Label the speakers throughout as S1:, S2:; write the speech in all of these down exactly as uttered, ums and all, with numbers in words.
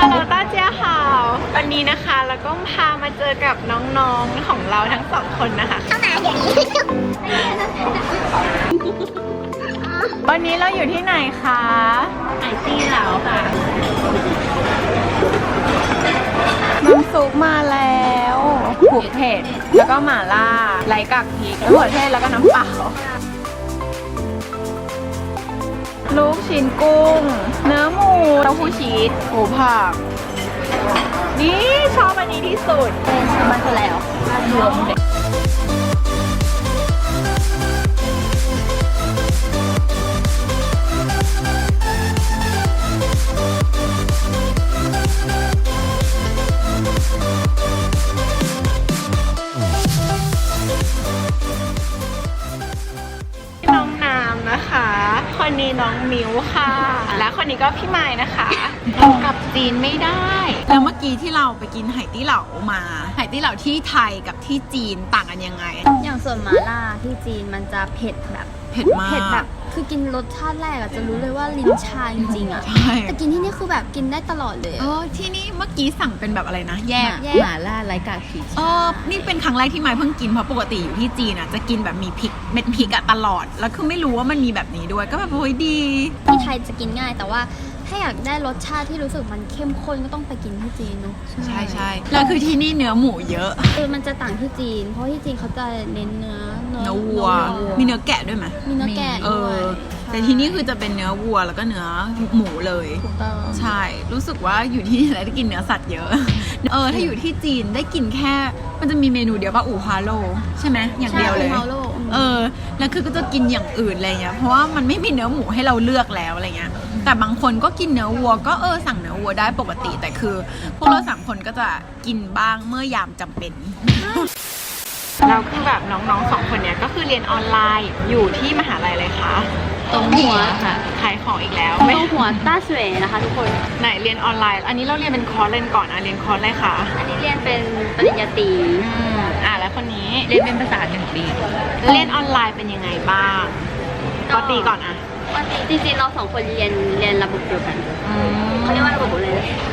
S1: ฮัลโหลต้าเจียค่ะวันนี้นะคะแล้วก็พามาเจอกับน้องๆของเราทั้งสองคนนะคะเข้ามาเดี๋ยวนี้วันนี้เราอยู่ที่ไหนคะไหตี้เหลาค่ะน้ำซุปมาแล้วผูกเผ็ดแล้วก็หม่าล่าไร้กากพริกมะเขือเทศแล้วก็น้ำเปล่าลูกชิ้นกุ้งเนื้อหมูเต้าหู้ชีสหมูผักนี่ชอบอันนี้ที่สุดมาแล้วรวมเด็กน้องน้ำนะคะคนนี้น้องมิวค่ะและคนนี้ก็พี่ไม้นะคะกับจีนไม่ได้แล้วเมื่อกี้ที่เราไปกินไหตี้เหลามาไหตี้เหลาที่ไทยกับที่จีนต่างกันยังไง
S2: อย่างส่วนหม่าล่าที่จีนมันจะเผ็ดแบบ
S1: เผ็ดมาก
S2: เผ็ดแบบคือกินรสชาติแรกอะจะรู้เลยว่าลิ้นชาจริงๆอะแต่กินที่นี่คือแบบกินได้ตลอดเลย
S1: เออที่นี่เมื่อกี้สั่งเป็นแบบอะไรนะแยก
S2: หม่าล่าไร้กากพริก
S1: เออนี่เป็นครั้งแรกที่ไม้เพิ่งกินเพราะปกติอยู่ที่จีนอะจะกินแบบมีพริกเม็ดพริกอะตลอดแล้วคือไม่รู้ว่ามันมีแบบนี้ด้วยก็แบบโอ้ยดี
S2: ที่ไทยจะกินง่ายแต่ว่าถ้าอยากได้รสชาติที่รู้สึกมันเข้มข้นก็ต้องไปกินที่จีนเนาะ
S1: ใช่ใช่แล้วคือที่นี่เนื้อหมูเยอะ
S2: คือมันจะต่างที่จีนเพราะที่จีนเขาจะเน้นเนื้อ
S1: เนื้อวัวมีเนื้อแกะด้วยไหม
S2: มีเนื้อแกะด้วย
S1: แต่ที่นี่คือจะเป็นเนื้อวัวแล้วก็เนื้อหมูเลย
S2: ถูกต้อง
S1: ใช่รู้สึกว่าอยู่ที่นี่แล้วได้กินเนื้อสัตว์เยอะเออถ้าอยู่ที่จีนได้กินแค่มันจะมีเมนูเดียวป่ะอู่ฮาโลใช่ไหมอย่างเดียวเลยเออแล้วคือก็จะกินอย่างอื่นอะไรเงี้ยเพราะว่ามันไม่มีเนื้อหมูให้เราเลือกแล้วอะไรเงี้ยแต่บางคนก็กินเนื้อวัวก็เออสั่งเนื้อวัวได้ปกติแต่คือพวกเราสามคนก็จะกินบ้างเมื่อยามจำเป็นเราคือแบบน้องๆสองคนเนี้ยก็คือเรียนออนไลน์อยู่ที่มหาลัยเลยค่ะ
S2: ตรงหัวค่ะ
S1: ขายของอีกแล้ว
S2: ตรงหัวต้าสวยนะคะทุกคน
S1: ไหนเรียนออนไลน์อันนี้เราเรียนเป็นคอร์สเรียนก่อนนะเรียนคอร์สอะไรคะ
S2: อันนี้เรียนเป็นปริญญาตรี
S1: อ่าแล้วคนนี้
S2: เรียนเป็นภาษาหนึ่งปี
S1: เรียนออนไลน์เป็นยังไงบ้างปกติก่อนอะ
S2: จริงๆเราสองคนเรียนเรียนระบบเดียวกันเขาเรียกว่าระบบอะไร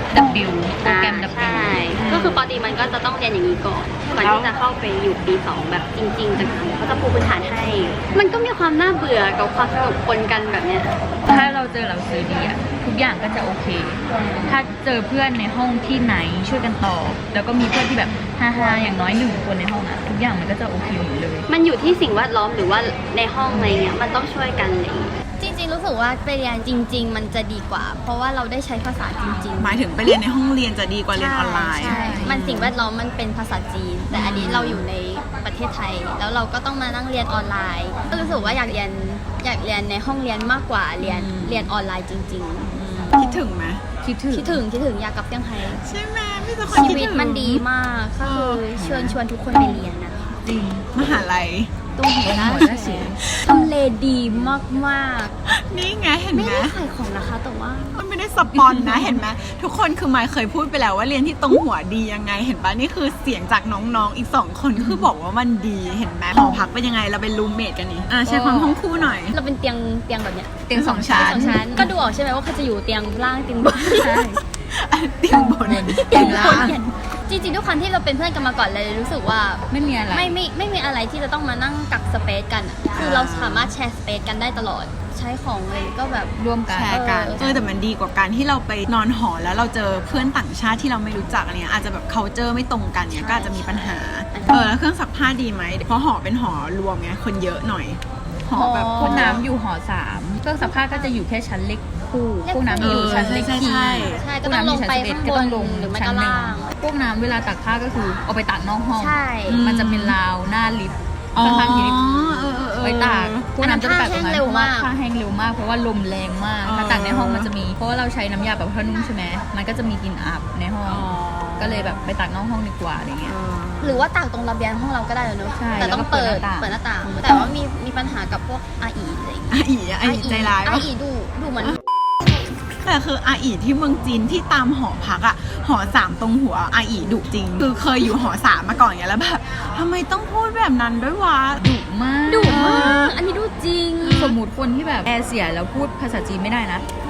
S1: W โปรแกรม W
S2: ใช่ก็คือปกติมันก็จะต้องเรียนอย่างนี้ก่อนก่อนที่จะเข้าไปอยู่ปีสองแบบจริงๆจังๆเขาจะปูพื้นฐานให้มันก็มีความน่าเบื่อกับความสนุกปนกันแบบเนี้ย
S3: ถ้าเราเจอหนังสือดีอะทุกอย่างก็จะโอเคถ้าเจอเพื่อนในห้องที่ไหนช่วยกันตอบแล้วก็มีเพื่อนที่แบบฮ่าๆอย่างน้อยหนึ่งคนในห้องอะทุกอย่างมันก็จะโอเคหมดเลย
S2: มันอยู่ที่สิ่งแวดล้อมหรือว่าในห้องอะไรเงี้ยมันต้องช่วยกันเลยจริงๆรู้สึกว่าไปเรียนจริงๆมันจะดีกว่าเพราะว่าเราได้ใช้ภาษาจริง
S1: ๆหมายถึงไปเรียนในห้องเรียนจะดีกว่าเรียนออนไลน์
S2: ใช่มันสิ่งแวดล้อมมันเป็นภาษาจีนแต่อันนี้เราอยู่ในประเทศไทยแล้วเราก็ต้องมานั่งเรียนออนไลน์ก็รู้สึกว่าอยากเรียนอยากเรียนในห้องเรียนมากกว่าเรียนเรียนออนไลน์จริง
S1: ๆคิดถึงไหม
S2: คิดถึงคิดถึงคิดถึงอยากกลับเซี่ยงไฮ้
S1: ใช่ไหมพี่จะ
S2: ชีวิตมันดีมากก็คือเชิญชวนทุกคนไปเรียนนะ
S1: จริงมหาลัย
S2: ตรงหัวหน้าเสียทำเลดีมากมาก
S1: นี่ไงเห็นไหม
S2: ไม่ได้ขายของนะคะแต่ว่า
S1: มันไม่ได้สปอนนะเห็นไหมทุกคนคือไมค์เคยพูดไปแล้วว่าเรียนที่ตรงหัวดียังไงเห็นปะนี่คือเสียงจากน้องๆอีกสองคนก็คือบอกว่ามันดีเห็นไหมหอพักเป็นยังไงเราเป็นรูมเมทกันนี่อ่าใช้ความห้องคู่หน่อย
S2: เราเป็นเตียงเตียงแบบเนี้ย
S1: เตียงสองชั้น
S2: ก็ดูออกใช่ไหมว่าเขาจะอยู่เตียงล่างเตียงบน
S1: ใช่เตียงบน
S2: เตียงล่างจริงๆทุกครั้งที่เราเป็นเพื่อนกันมาก่อนเลยรู้สึกว่า
S3: ไม่มีอะไร
S2: ไม่ไม่ไม่มีอะไรที่จะต้องมานั่งกักสเปซกันคือเราสามารถแชร์สเปซกันได้ตลอดใช้ของเลยก็แบบ
S3: ร่วมกัน
S1: แชร์กันเออแต่มันดีกว่าการที่เราไปนอนหอแล้วเราเจอเพื่อนต่างชาติที่เราไม่รู้จักอะไรเงี้ยอาจจะแบบ culture ไม่ตรงกันเนี่ยก็อาจจะมีปัญหาเออแล้วเครื่องซักผ้าดีไหมเพราะหอเป็นหอรวมไงคนเยอะหน่อย
S3: หอแบบพวกน้ำอยู่หอสามเครื่องซักผ้าก็จะอยู่แค่ชั้นเล็กคู่พวกน้ำอยู่ชั้นเล็กที่
S2: ใช่ก็ต้องลงไปข้างบนหรือไม่ก็ล่าง
S3: พวกน้ำเวลาตักผ้าก็คือเอาไปตากนอกห้อง
S2: ใช่
S3: มันจะเป็นราวหน้าลิฟต์ข้างๆลิฟต์ไว้ตากพวกน้ำจะตากตรงนั้นเพราะว่าผ้าแห้งเร็วมากเพราะว่าลมแรงมากถ้าตากในห้องมันจะมีเพราะว่าเราใช้น้ำยาแบบผ้านุ่มใช่ไหมมันก็จะมีกลิ่นอับในห้องก็เลยแบบไปตากนอกห้องดีกว่าอะไรเงี้ย
S2: หรือว่าตากตรงระเบียงห้องเราก็ได้เลยเนอะแต่ต้องเปิดเปิดหน้าต่างแต่ว่ามีมีปัญหากับพวกอาอีอะไรอย่างเงี้ย
S1: อาอีอาอีใจร้าย
S2: อาอีดูดูเหมือน
S1: แต่คืออาอีที่เมืองจีนที่ตามหอพักอะหอสามตรงหัวอาอีดุจริงคือเคยอยู่หอสามมาก่อนอย่างแล้วแบบทำไมต้องพูดแบบนั้นด้วยวะ
S3: ดุมาก
S2: ดุมากอันนี้ดุจริง
S3: สมมติคนที่แบบแอร์เสียแล้วพูดภาษาจีนไม่ได้นะ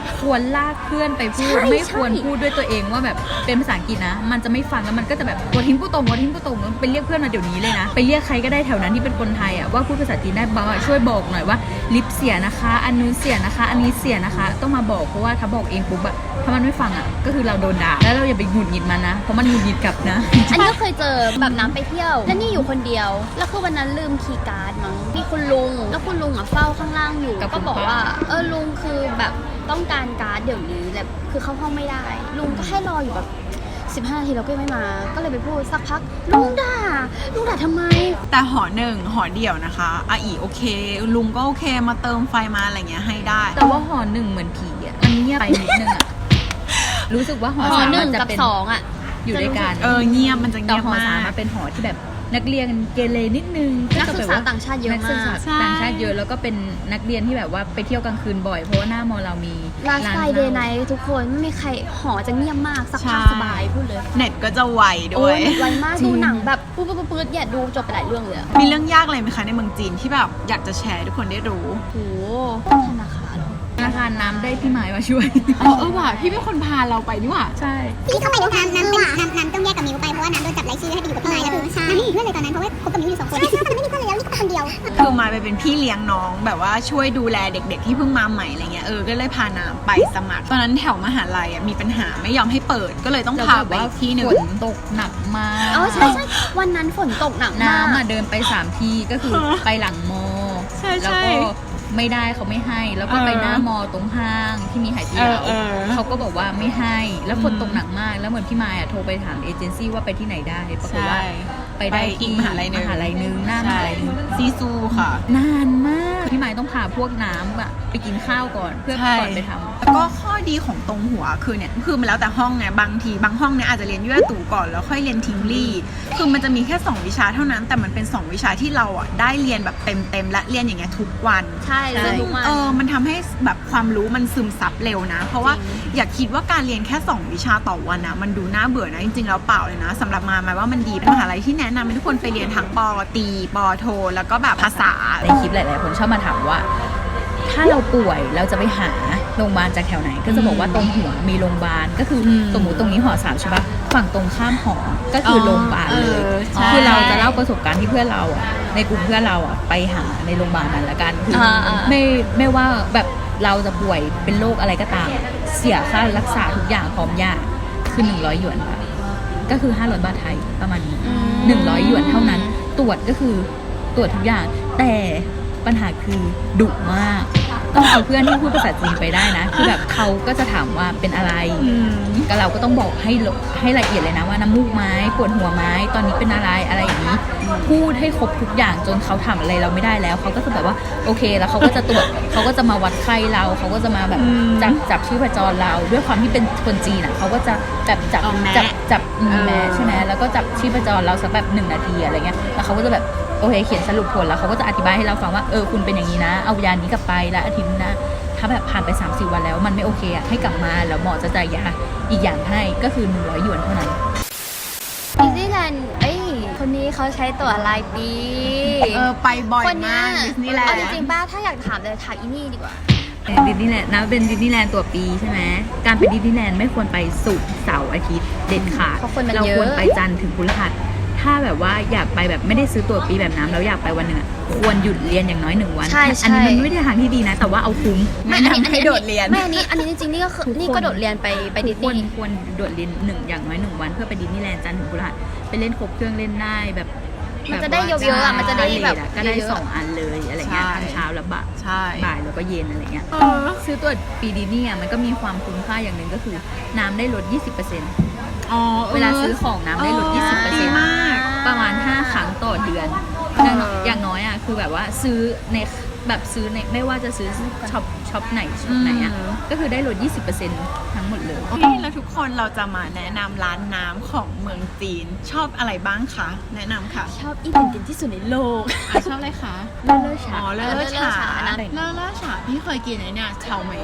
S3: ควรลากเพื่อนไปพูด
S2: ใช่
S3: ไม่ควร
S2: ใช่
S3: พูดด้วยตัวเองว่าแบบเป็นภาษาอังกฤษนะมันจะไม่ฟังแล้วมันก็จะแบบวัวทิ้งผู้ตรงวัวทิ้งผู้ตรงไปเรียกเพื่อนมาเดี๋ยวนี้เลยนะไปเรียกใครก็ได้แถวนั้นที่เป็นคนไทยอ่ะว่าพูดภาษาจีนได้บ้างอะช่วยบอกหน่อยว่าลิปเสียนะคะอันนู้นเสียนะคะ อันนี้เสียนะคะต้องมาบอกเพราะว่าถ้าบอกเองปุ๊บอะถ้ามันไม่ฟังอะก็คือเราโดนด่าแล้วเราอย่าไปหงุดหงิดมันนะเพราะมันหงุดหงิดกลับนะ
S2: อันนี้ก็เคยเจอแบบน้ำไปเที่ยว แล้วนี่อยู่คนเดียว แล้วคือวันนั้นลืมคีย์การ์ดมั้งมีคุณลุง แล้วคุณลุงอ่ะเฝ้าข้างล่างอยู่
S3: กับ
S2: ก็
S3: คุณ
S2: บอก
S3: ป้า
S2: ว่า เออลุงคือแบบต้องการการ์ดเดี๋ยวนี้แบบคือเข้าห้องไม่ได้ ลุงก็ให้รออยู่แบบสิบห้านาทีแล้วก็ยังไม่มา ก็เลยไปพูดสักพัก ลุงด่า ลุงด่าทำไม
S1: แต่หอหนึ่งหอเดี่ยวนะคะอาอีโอเค ลุงก็โอเคมาเติมไฟมาอะไรเงี้ยให้ได้
S3: แต่ว่าหอหนึ่งเหมือนผีอ่ะมันเงียบไปนิดนึงอ่ะ รู้สึกว่าหอ
S2: หอ
S3: สาม
S2: หนึ่
S3: มั
S2: ง
S3: นจะ
S2: กับ
S3: เป็น
S2: สองอ่ะ
S3: อยู่ด้วยกัน
S1: เออเงียบมันจะ
S3: แต่
S1: เงียบ
S3: หอ
S1: มา
S3: สาม
S1: ก
S3: มันเป็นหอที่แบบนักเรียนเกเรนิดนึง
S2: นักศึกษา
S3: แบบว่
S2: ต่างชาติเยอะ
S3: นักศึก
S2: มา
S3: ษาก ต่างชาติเยอะแล้วก็เป็นนักเรียนที่แบบว่าไปเที่ยวกลางคืนบ่อยเพราะว่าหน้ามอเรามี
S2: ลาสไต
S3: ร้าน
S2: เดย์ไนท์ทุกคนไม่มีใครหอจะเงียบมากสักพัก
S1: ใช่
S2: สบายพูดเลย
S1: เน็ตก็จะไวด้
S2: โอ้
S1: วย
S2: ยไวมาก
S3: จริง
S2: ดูหนังแบบปุ๊บปุ๊บปุ๊บเนี่ยดูจบไปหลายเรื่องเลยอะ
S1: มีเรื่องยากอะไรไหมคะในเมืองจีนที่แบบอยากจะแชร์ให้ทุกคนได้รู้
S2: โหธนาคารเหรอ
S3: ธนาคารน้ำได้พี่หมายมาช่วย
S1: อ๋อเออว่ะพี่เป็นคนพาเราไปนี่หว่า
S3: ใช่
S4: ที่เข้าไปน้ำน้ำน้ำเป็นน้ำน้ำต้องแยกกับมิวไปเพราะว่าน้ำโดนจับรายชื่อให้ไปอยู่กับพี่ไม้แล้วคือน้ำไม่มีเพื่อนเลยตอนนั้นเพราะว่าคบกับมิวอยู่สองคนใช่ใช่ตอนนั้นไม่มีเพื่อนเลยแล้วนี่ก็คนเดียว
S1: คือมาไปเป็นพี่เลี้ยงน้องแบบว่าช่วยดูแลเด็กๆที่เพิ่งมาใหม่อะไรเงี้ยเออก็เลยพาน้ำไปสมัครตอนนั้นแถวมหาลัยอ่ะมีปัญหาไม่ยอมให้เปิดก็เลยต้องพาไปอีกที่หนึ่ง
S3: ฝนตกหนักมาก
S2: อ๋อใช่ใช่วันนั้นฝนตกหนักมาก
S3: น้ำอ่ะเดินไปสามทีก็คือไปหลังมอ
S1: ใช่
S3: แล้ว
S1: ใช่
S3: ก็ไม่ได้เขาไม่ให้ แล้วก็
S1: เออ
S3: ไปหน้ามอตรงห้างที่มีไหเตี๋ยว
S1: เออเออ
S3: เขาก็บอกว่าไม่ให้ แล้วฝน
S1: อืม
S3: ตกหนักมาก แล้วเหมือนพี่มายอ่ะโทรไปถามเอเจนซี่ว่าไปที่ไหนได้ปรากฏว่าไปได้
S1: อี
S3: ที่
S1: กมหาลัยหนึ่ง
S3: มหาลัยหนึงหน้ามหาลัยหนึง
S1: ซีซูค่ะ
S3: นานมากพี่มายต้องพาพวกน้ำอะไปกินข้าวก่อนเพื่อ
S1: ใช่
S3: ก่อนไปทำ
S1: แล้วก็ข้อดีของตรงหัวคือเนี่ยคือมันแล้วแต่ห้องไงบางทีบางห้องเนี่ยอาจจะเรียนยั่วตู่ก่อนแล้วค่อยเรียนทิงลี่คือมันจะมีแค่สองวิชาเท่านั้น แต่มันเป็นสองวิชาที่เราอ่ะได้เรียนแบบเต็มๆและเรียนอย่างเงี้ยทุกวัน
S2: ใช่เลยทุกวัน
S1: เออมันทำให้แบบความรู้มันซึมซับเร็วนะ เพราะว่าอย่าคิดว่าการเรียนแค่สองวิชาต่อวันนะมันดูน่าเบื่อนะจริงๆแล้วเปล่าเลยนะสำหรับมาหมายว่ามันดีเป็นมหาลัยที่แนะนำให้ทุกคนไปเรียนทั้งปอตรีปอโท แล้วก็แบบภาษา
S3: ในคลิปหลายๆคนชอบมาถามว่า ถ้าเราป่วยเราจะไปหาโรงพยาบาลจากแถวไหน ก็จะบอกว่าตรงหัวมีโรงพยาบาลก็คืออ
S1: ม
S3: สมมติตรงนี้หอสามใช่ปะฝั่งตรงข้ามหอก็คืออ
S1: อ
S3: โรงพยาบาลเลย
S1: เออใช่
S3: คือเราจะเล่าประสบการณ์ที่เพื่อนเราอ่ะในกลุ่มเพื่อนเราอ่ะไปหาในโรงพยาบาลนั้นละกันคืออา
S2: อ่า
S3: ไม่ไม่ว่าแบบเราจะป่วยเป็นโรคอะไรก็ตาม เสียค่ารักษาทุกอย่างพร้อมยาคือหนึ่งร้อยหยวนค่ะก็คือห้าร้อยบาทไทยประมาณนี้ หนึ่งร้อยหยวนเท่านั้น ตรวจก็คือตรวจทุกอย่าง แต่ปัญหาคือดุมาก ต้องเอาเพื่อนที่พูดภาษาจีนไปได้นะ คือแบบเขาก็จะถามว่าเป็นอะไร
S1: อืม
S3: ก็เราก็ต้องบอกให้ละให้ละเอียดเลยนะว่าน้ำมูกไหม้ปวดหัวไหม้ตอนนี้เป็นอะไรอะไรอย่างนี้ พูดให้ครบทุกอย่างจนเขาทำอะไรเราไม่ได้แล้วเขาก็จะแบบว่าโอเคแล้วเขาก็จะตรวจเขาก็จะมาวัดไข้เราเขาก็จะมาแบบ
S1: อืม
S3: จับจับชีพจรเราด้วยความที่เป็นคนจีนอ่ะเขาก็จะแบบจับ
S1: เอาแมะ
S3: จับจับอืม
S1: เออ
S3: แมะใช่ไหมแล้วก็จับชีพจรเราสักแบบหนึ่งนาทีอะไรเงี้ยแล้วเขาก็จะแบบโอเคเขียนสรุปผลแล้วเขาก็จะอธิบายให้เราฟังว่าเออคุณเป็นอย่างนี้นะ เอายานี้กลับไปแล้วอาทิตย์หนะถ้าแบบผ่านไปสามสี่วันแล้วมันไม่โอเคอ่ะให้กลับมาแล้วหมอจะจ่ายยาอีกอย่างให้ก็คือหนึ่งร้อยหยวนเท่านั้น
S2: ดิสนีย์แลนด์เอ้ยคนนี้เขาใช้ตั๋วรายปี
S1: เออไปบ่อย
S2: คนเนี้
S1: มาย กดิสนีย์แลน
S2: เอา
S1: ด์
S2: จริงๆป้าถ้าอยากถามเลยถามอีนี่ดีกว่า
S3: ดิสนีย์แลนด์นะเป็นดิสนีย์แลนด์ตัวปีใช่ไหมการไปดิสนีย์แลนด์ไม่ควรไปศุกร์เสาร์อาทิตย์เด็ดขาด
S2: เพราะคนมัน
S3: เรา
S2: เยอะ
S3: ควรไปจันทร์ถึงพฤหัสถ้าแบบว่าอยากไปแบบไม่ได้ซื้อตั๋วปีแบบน้ำแล้วอยากไปวันหนึ่งอะควรหยุดเรียนอย่างน้อยหนึ่งวัน
S2: ใช่ใช่
S3: อันี้มันไม่ได้ทางที่ดีนะ แต่ว่าเอาคุ้ม
S2: ไม่
S3: แนะ
S2: อันนี้
S3: นำ
S2: อัน
S3: ให้
S2: นี้
S3: โดดเรียน
S2: ไม่อันนี้อันนี้จริงๆนี่ก็คือ
S3: ทุกคน
S2: นี่ก็โดดเรียนไปไปดิส
S3: ควร
S2: นีย์
S3: ควรโดดเรียนหนึ่งอย่างน้อยหนึ่งวันเพื่อไปดิสนีย์แลนด์จันทร์ถึงพฤหัสไปเล่นครบเครื่องเล่นได้แบบ
S2: มันจะได้เยอะๆอะมันจะได้แบบ
S3: ก็ได้
S2: เยอะๆ
S3: สองอันเลยอะไรเงี้ย
S1: ใช่
S3: ทั้งเช้าและบ่าย
S1: ใช่
S3: บ่ายแล้วก็เย็นอะไรเงี้ย
S1: เออ
S3: ซื้อตัวปีดิสนีย์อ่ะมันก็มีความคุ้มค่าอย่างหนึ่งก็คือน้ำได้ลด ยี่สิบเปอร์เซ็นต์
S1: อ๋อ
S3: เวลาซื้อของน้ำได้ลด ยี่สิบเปอร์
S1: ดี
S3: เซ็นต์
S1: มาก
S3: ประมาณห้าครั้งต่อเดือน
S1: เออ
S3: อย่างน้อยอ่ะคือแบบว่าซื้อในแบบซื้อในไม่ว่าจะซื้อช็อปช็อปไหนช็อปไหนอ่ะก็คือได้ลด ยี่สิบเปอร์เซ็นต์ ทั้งหมดเลย
S1: โอเคแล้วทุกคนเราจะมาแนะนำร้านน้ำของเมืองจีน ชอบอะไรบ้างคะแนะนำค่ะ
S2: ชอบอีเป็นกันที่สุดในโลก
S1: อ่ะชอบอะไรคะ
S3: เลิศเลิศ
S1: อ๋
S3: ฉา
S1: อเลอ
S2: เล
S1: เล
S2: อ
S1: อ
S2: ฉา
S1: ฉา
S2: นะ
S1: เลอเลอฉาพี่เคยกินไอ้เนี่ยเฉาเหมยอ่ะ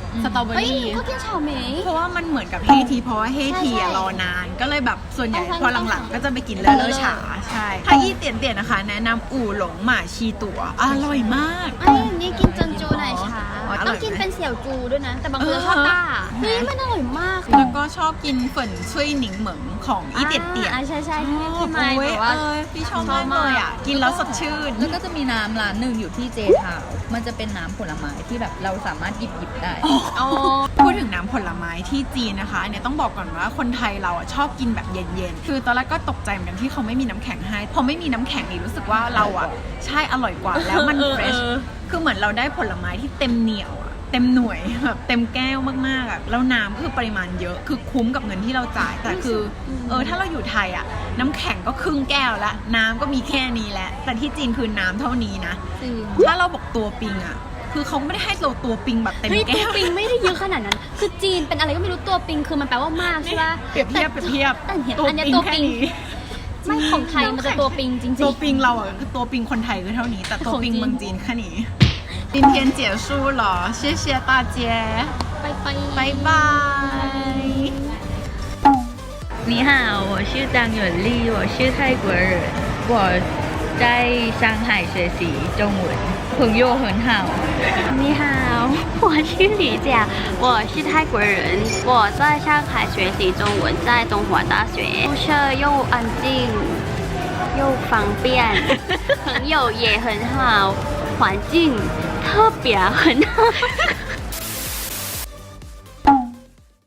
S1: สตรอเบอ
S2: เฮ้ย
S1: รี่
S2: เขากินเฉาเหมย
S1: เพราะว่ามันเหมือนกับเฮทีเพราะว่าเฮทีอะ
S2: ใช่
S1: รอนาน ก็เลยแบบส่วนใหญ่
S2: ต้อง
S1: พอ
S2: ต้อง
S1: หลัง
S2: สั่ง
S1: ๆ ก็จะไปกินเลอเลอฉาใช่ถ้าอี้เตียนเตียนๆนะคะ แนะนำอู่หลงหม่าชีตั๋วอร่อยมาก
S2: ไอ้ยนี่กินจนจูหน่อยช้า
S1: อ๋ออร่อยไหม
S2: ต้องกินเป็นเสี่ยวจูด้วยนะ แต่บางคน
S1: เออ
S2: ชอบต้าเฮ้ยมันอร่อยมาก
S1: แล้วก็ชอบกินเฟิ่นช่วยหนิงเหมิงของอี้เตียนเตียน
S2: อ่าใช่ใช่
S1: ช
S2: ที่
S1: อบ
S2: ที่ไมค์
S1: โอ้ย
S2: แบบว่า
S1: เออพี่ชอบมากเลยอ่ะ กินแล้วสดชื่น
S3: แล้วก็จะมีน้ำร้านหนึ่งอยู่ที่เจทาวน์มันจะเป็นน้ำผลไม้ที่แบบเราสามารถหยิบหยิบได้
S2: อ๋อ
S1: พูดถึงน้ำผลไม้ที่จีนนะคะเนี่ยต้องบอกก่อนว่าคนไทยเราอ่ะชอบกินแบบเย็นๆ คือตอนแรกก็ตกใจเหมือนกันที่เขาไม่มีน้ำแข็งให้ พอไม่มีน้ำแข็งนี่รู้สึกว่าเราอ่ะใช่อร่อยกว่าแล้วมัน
S3: เออ
S1: เฟรช
S3: เออ
S1: คือเหมือนเราได้ผลไม้ที่เต็มเหนียวอะเต็มหน่วยแบบเต็มแก้วมากๆอ่ะแล้วน้ำก็คือปริมาณเยอะคือคุ้มกับเงินที่เราจ่าย แต่คือเออถ้าเราอยู่ไทยอ่ะน้ำแข็งก็ครึ่งแก้วละน้ำก็มีแค่นี้แหละแต่ที่จีนคือน้ำเท่านี้นะ
S3: จริง
S1: ถ้าเราบอกตัวปิงอ่ะคือเขาไม่ได้ให้เราตัวปิงแบบเต็ม
S2: เฮ้ยตัว
S1: แก้ว
S2: ปิงไม่ได้เยอะขนาดนั้น คือจีนเป็นอะไรก็ไม่รู้ตัวปิงคือมันแปลว่ามากใช่ปะ
S1: เปรียบเทียบเปรียบเทียบ
S2: แต่เห็นอันเนี้ยตัว
S1: แค่
S2: ปิง
S1: นี้
S2: ไม่ของไทยมันจะตัวปิงจริงๆ
S1: ตัวปิงเราอ่ะคือตัวปิงคนไทยคือเท่านี้ แต่ตัวปิง
S2: ของจีน
S1: เมืองจีนแค่นี้今天结束了谢谢大家
S2: ไปไป
S1: 拜拜
S3: 你好，我是张远丽，我是泰国人，我在上海学习中文，朋友很好。
S2: 你好，我是李佳，我是泰国人，我在上海学习中文，在东华大学，宿舍又安静又方便，朋友也很好，环境特别很好。